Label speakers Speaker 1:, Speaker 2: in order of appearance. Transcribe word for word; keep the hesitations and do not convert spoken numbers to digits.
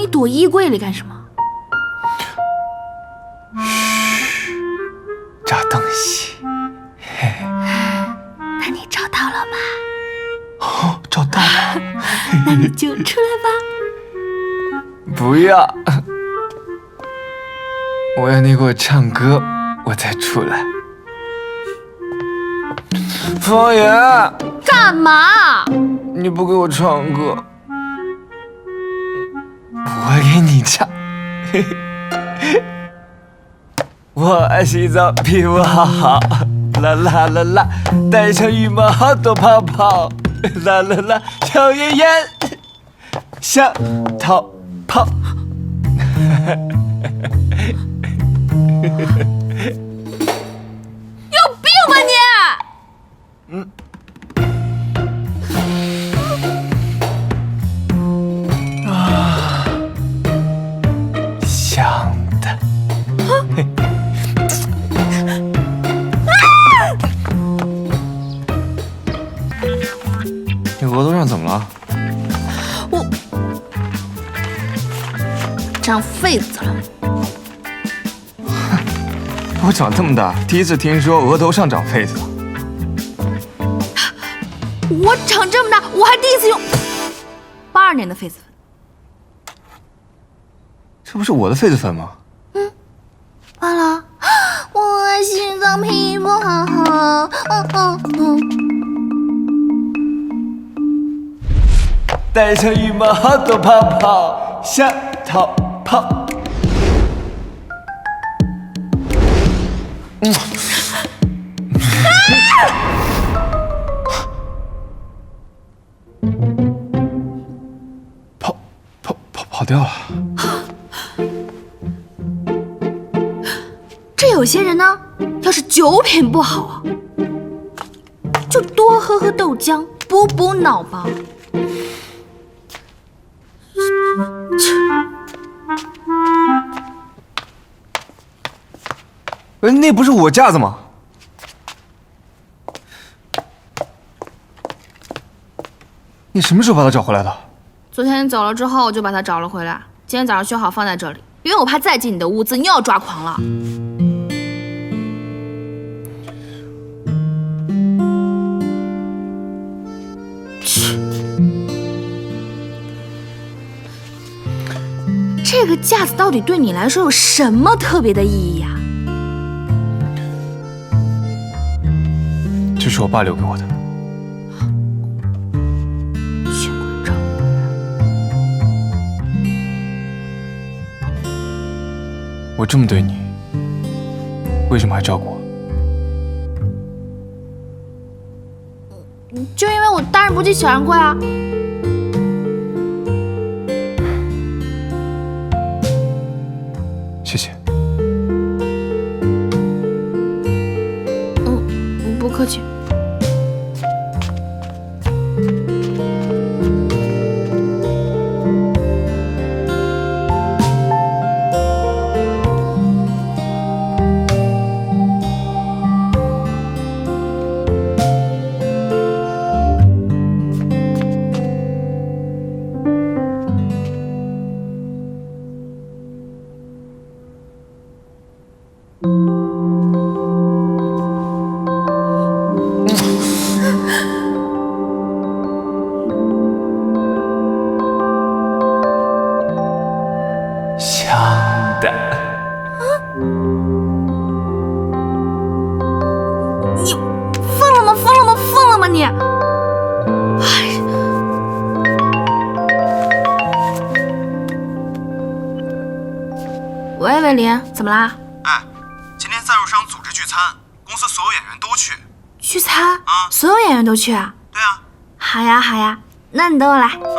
Speaker 1: 躲衣柜里干什么？
Speaker 2: 嘘，找东西。嘿，
Speaker 1: 那你找到了吗？
Speaker 2: 哦，找到了。
Speaker 1: 那你就出来吧。
Speaker 2: 不要，我要你给我唱歌，我再出来。方言，
Speaker 1: 干嘛？
Speaker 2: 你不给我唱歌，我给你唱。嘿嘿，我爱洗澡，皮肤好好，啦啦啦啦，带上羽毛好多泡泡，啦啦啦，抽烟烟，想逃跑。
Speaker 1: 有病吧你！
Speaker 2: 嗯。啊，想的。你额头上怎么了？
Speaker 1: 我长痱子了。
Speaker 2: 我长这么大，第一次听说额头上长痱子。
Speaker 1: 我长这么大，我还第一次用八二年的痱子粉。
Speaker 2: 这不是我的痱子粉吗？
Speaker 1: 嗯，完了，我爱洗澡，皮肤好好。嗯嗯嗯。
Speaker 2: 带上羽毛好多泡泡，想逃跑。嗯。跑跑跑跑掉了。
Speaker 1: 这有些人呢，要是酒品不好啊，就多喝喝豆浆，补补脑吧。
Speaker 2: 呃，那不是我架子吗？你什么时候把它找回来的？
Speaker 1: 昨天你走了之后，我就把它找了回来。今天早上修好放在这里，因为我怕再进你的屋子，你又要抓狂了。去，这个架子到底对你来说有什么特别的意义呀？
Speaker 2: 这是我爸留给我的。
Speaker 1: 血管照。
Speaker 2: 我这么对你，为什么还照顾我？
Speaker 1: 就因为我大人不计小人贵啊。
Speaker 2: 谢谢。
Speaker 1: 嗯，不客气。
Speaker 2: 想的。
Speaker 1: 你疯了吗？疯了吗？疯了吗你！哎，喂，伟林，怎么啦？
Speaker 3: 哎，今天赞助商组织聚餐，公司所有演员都去。
Speaker 1: 聚餐？
Speaker 3: 啊，
Speaker 1: 所有演员都去啊？
Speaker 3: 对啊。
Speaker 1: 好呀，好呀，那你等我来。